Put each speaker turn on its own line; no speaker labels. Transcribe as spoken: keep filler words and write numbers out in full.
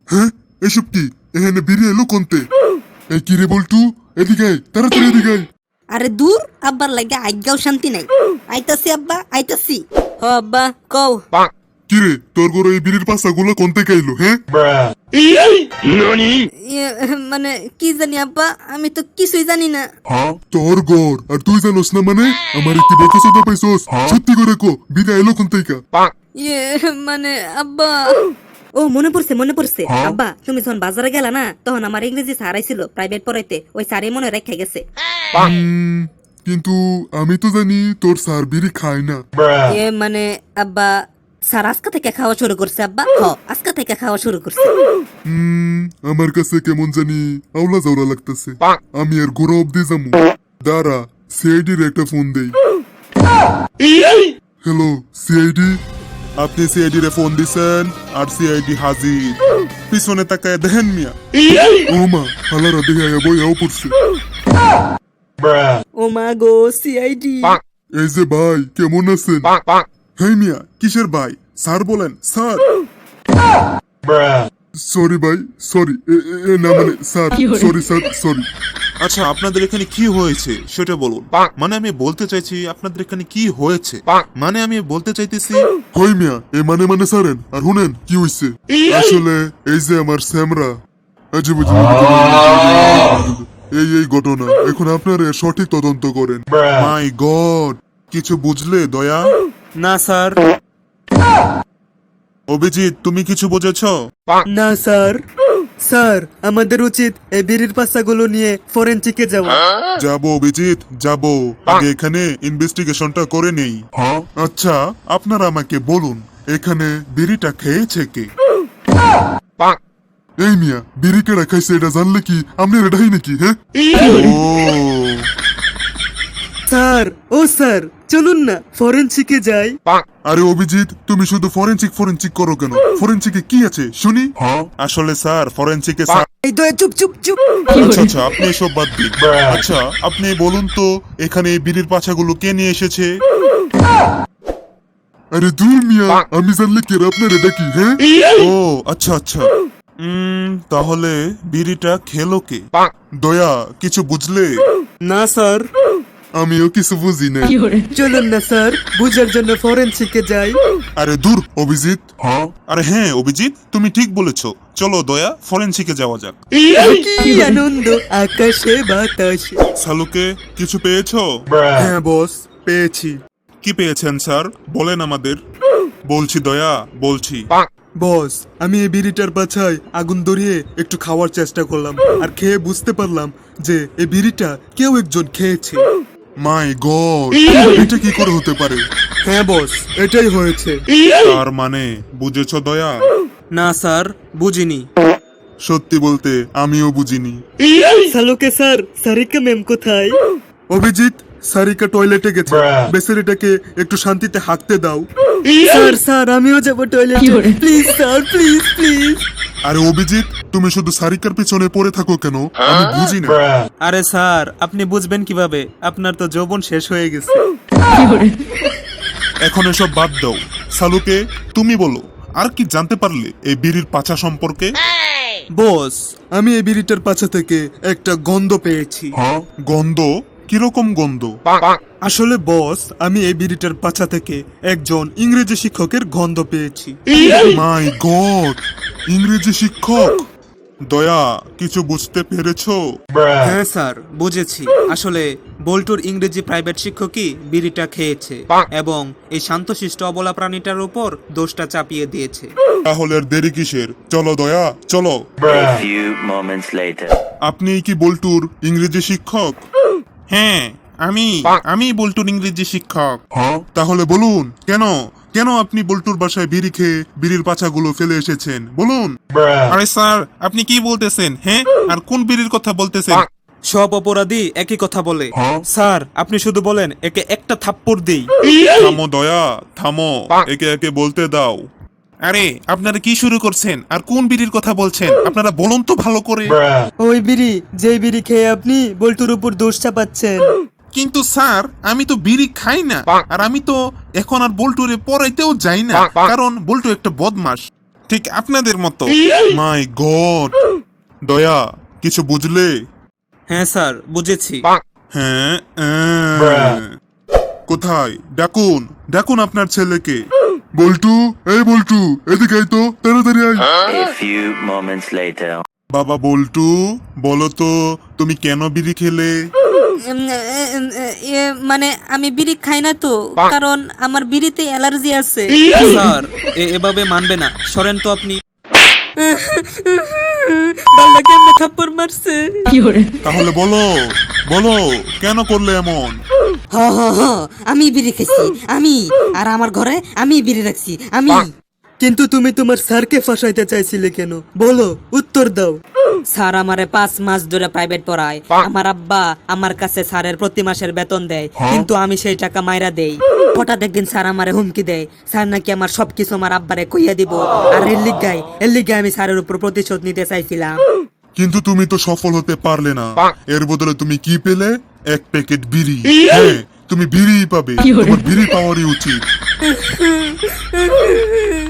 হ্যাঁ এসব কি? এখানে বিড়ি এলো কোনতে? এই কি রে বল্টু, এদিকে আয়, তাড়াতাড়ি এদিকে আয়।
আরে দূর, আব্বার লাগে আজ্ঞাও শান্তি নাই। আইতাছি আব্বা, আইতাছি। হ আব্বা, কও।
কি রে, তোর ঘরে এই বিড়ির পাশা গুলো কোনতে খাইলো? হ্যাঁ
ইয়ে, মানে কি জানি আব্বা, আমি তো কিছুই জানি না।
তোর ঘর আর তুই জানোস না? মানে আমার কি বলতে চোদা পাইছস? সত্যি করে কো, বিড়ি এলো কোনতে?
ইয়ে মানে আব্বা, ও মনে পড়ছে মনে পড়ছে আব্বা, তুমি যখন বাজারে গেলা না, তখন আমার ইংরেজি স্যার আইছিল প্রাইভেট পড়াইতে, ওই স্যারই মনে রেখে গেছে।
হুম, কিন্তু আমি তো জানি তোর স্যার বিড়ি খায় না।
ইয়ে মানে আব্বা, স্যার আজকে থেকে খাওয়া শুরু করছে আব্বা। হ, আজকে থেকে খাওয়া শুরু করছে।
হুম, আমার কাছে কেমন জানি আওলা জাওলা লাগতেছে। আমি আর গোড়া অব্দি যাবো। দাঁড়া, সিআইডির একটা ফোন দেই। হ্যালো সিআইডি, আপনি সিআইডি রে ফোন দিছেন আর সিআইডি হাজির। পিছনে তাকায় দেখেন মিয়া। ও মা, হালারা দেখে বইয়াও পড়ছে।
ও মা গো, সিআইডি।
এই যে ভাই, কেমন আছেন? হ্যাঁ মিয়া, কিসের ভাই? স্যার বলেন স্যার। সরি ভাই, সরি। না মানে স্যার, সরি স্যার, সরি।
আচ্ছা, আপনাদের এখানে কি হয়েছে সেটা বলুন। মানে আমি বলতে চাইছি আপনাদের এখানে কি হয়েছে, মানে আমি বলতে চাইতেছি।
হই মিয়া, এ মানে মানে সারেন আর শুনেন কি হইছে। আসলে এই যে আমার স্যামরা আজীব এই এই ঘটনা, এখন আপনারা সঠিক তদন্ত করেন। মাই গড, কিছু বুঝলে দয়া?
না স্যার।
অভিজিৎ, তুমি কিছু বুঝেছো?
না স্যার। স্যার, আমাদের উচিত এই বিড়ির পাশাগুলো নিয়ে ফরেনসিকে যাওয়া।
যাবো অভিজিৎ, যাবো। আগে এখানে ইনভেস্টিগেশনটা করে নেই। আচ্ছা, আপনারা আমাকে বলুন, এখানে বিড়িটা খেয়েছে কে? এই মিয়া, বিড়ি কেডা খাইছে এটা জানলে কি আপনি রেডাই নাকি? হ্যাঁ ও
স্যার, ও স্যার, চলুন না ফরেনসিকে যাই।
আরে অভিজিৎ, তুমি শুধু ফরেনসিক ফরেনসিক করো কেন? ফরেনসিকে কি আছে শুনি? আসলে স্যার, ফরেনসিকে স্যার।
এই দয়া চুপ চুপ চুপ।
আচ্ছা আচ্ছা, আপনি এসব বাদ দিন। আচ্ছা, আপনি বলুন তো, এখানে এই বিড়ির পাছাগুলো কে নিয়ে এসেছে? আরে দূর মিয়া, আমি জানলে কে আপনার ডাকি? হ্যাঁ ও আচ্ছা আচ্ছা। উম তাহলে বিড়িটা খেলো কে? দয়া, কিছু বুঝলে?
না স্যার।
আমিও কিছু বুঝি না।
চলুন না স্যার, বুঝার জন্য ফরেনসিকে যাই।
আরে দূর অভিজিৎ। হ্যাঁ আরে হ্যাঁ অভিজিৎ, তুমি ঠিক বলেছো। চলো দয়া, ফরেনসিকে যাওয়া যাক।
কি আনন্দ আকাশে বাতাসে।
সালুকে, কিছু পেয়েছো?
হ্যাঁ বস, পেয়েছি।
কি পেয়েছেন স্যার, বলেন আমাদের। বলছি দয়া, বলছি।
বস, আমি এই বিড়িটার পাছায় আগুন ধরিয়ে একটু খাওয়ার চেষ্টা করলাম, আর খেয়ে বুঝতে পারলাম যে এই বিড়িটা কেউ একজন খেয়েছে।
মাই গড, এটা কি করে হতে পারে?
হ্যাঁ বস, এটাই হয়েছে।
তার মানে বুঝেছো দয়া?
না স্যার, বুঝিনি।
সত্যি বলতে আমিও বুঝিনি।
সালুকে স্যার, সারিকা ম্যাম কোথায়?
অভিজিৎ, সারিকা টয়লেটে গেছে, বেচারিটাকে একটু শান্তিতে হাঁকতে দাও।
স্যার স্যার, আমিও যাব টয়লেটে, প্লিজ স্যার, প্লিজ প্লিজ।
আরে অভিজিৎ, তুমি শুধু সারিকার পিছনে পড়ে থাকো কেন? আমি বুঝি না।
আরে স্যার, আপনি বুঝবেন কিভাবে? আপনার তো যৌবন শেষ হয়ে গেছে।
এখন এসব বাদ দাও। সালুকে, তুমি বলো, আর কি জানতে পারলে এই বিড়ির পাছা সম্পর্কে?
বস, আমি এই বিড়িটার পাছা থেকে একটা গন্ধ পেয়েছি।
হ্যাঁ, গন্ধ? কিরকম গন্ধ?
আসলে বস, আমি এই বিড়িটার পাছা থেকে একজন ইংরেজি শিক্ষকের গন্ধ পেয়েছি।
মাই গড, ইংরেজি শিক্ষক? দয়া, কিছু বুঝতে পেরেছো?
হ্যাঁ স্যার, বুঝেছি। আসলে বল্টুর ইংরেজি প্রাইভেট শিক্ষকই বিড়িটা খেয়েছে এবং এই শান্তশিষ্ট অবলা প্রাণীটার উপর দোষটা চাপিয়ে দিয়েছে।
তাহলে আর দেরি কিসের? চলো দয়া, চলো।
A few moments later.
আপনি কি বল্টুর ইংরেজি শিক্ষক?
হ্যাঁ, আমি আমি বল্টুর ইংরেজি শিক্ষক।
হ্যাঁ, তাহলে বলুন, কেন কেন আপনি বল্টুর বাসায় বিড়ি খেয়ে বিড়ির পাছাগুলো ফেলে এসেছেন? বলুন।
আরে স্যার, আপনি কি বলতেছেন? হ্যাঁ, আর কোন বিড়ির কথা বলতেছেন?
সব অপরাধী একই কথা বলে। স্যার, আপনি শুধু বলেন একে একটা থাপ্পড় দেই।
থামো দয়া, থামো, একে একে বলতে দাও।
আরে আপনারা কি শুরু করছেন? আর কোন বিড়ির কথা বলছেন? আপনারা বলুন তো ভালো করে।
ওই বিড়ি, যেই বিড়ি খেয়ে আপনি বল্টুর উপর দোষ চাপাচ্ছেন।
কিন্তু স্যার, আমি তো বিড়ি খাই না, আর আমি তো এখন আর বল্টুরে পড়াইতেও যাই না, কারণ বল্টু একটা বদমাস।
ঠিক আপনাদের মতো। মাই গড, দয়া কিছু বুঝলে?
হ্যাঁ স্যার, বুঝেছি।
হ্যাঁ আহ। কোথায়? ডাকুন ডাকুন আপনার ছেলেকে।
বল্টু, এই বল্টু, এদিকে আয় তো, তাড়াতাড়ি আয়।
A few moments later.
বাবা বল্টু, বলো তো তুমি কেন বিড়ি খেলে?
উম, উম, এ, মানে আমি বিড়ি খাই না তো, কারণ আমার বিড়িতে অ্যালার্জি আছে।
স্যার, এ- এভাবে মানবে না, সরেন তো আপনি।
বাবা কেমনে থাপ্পড় মারছে?
তাহলে বলো বলো কেন করলে এমন?
হ হ হ, আমি বিড়ি খাইছি, আমি। আর আমার ঘরে আমি বিড়ি রাখছি, আমি।
কিন্তু তুমি তোমার স্যারকে ফাঁসাইতে চাইছিলে কেন? বলো, উত্তর দাও।
স্যার আমারে পাঁচ মাস ধরে প্রাইভেট পড়ায়। আমার আব্বা আমার কাছে স্যারের প্রতি মাসের বেতন দেয়, কিন্তু আমি সেই টাকা মাইরা দেই। হঠাৎ একদিন স্যার আমারে হুমকি দেয়, স্যার নাকি আমার সবকিছু আমার আব্বারে কইয়া দিব। আর এর লিগাই এর লিগাই আমি স্যারের উপর প্রতিশোধ নিতে চাইছিলাম।
কিন্তু তুমি তো সফল হতে পারলে না। এর বদলে তুমি কি পেলে? এক প্যাকেট বিড়ি। হ্যাঁ, তুমি বিড়ি পাবে, তোমার বিড়ি পাওয়ারই উচিত।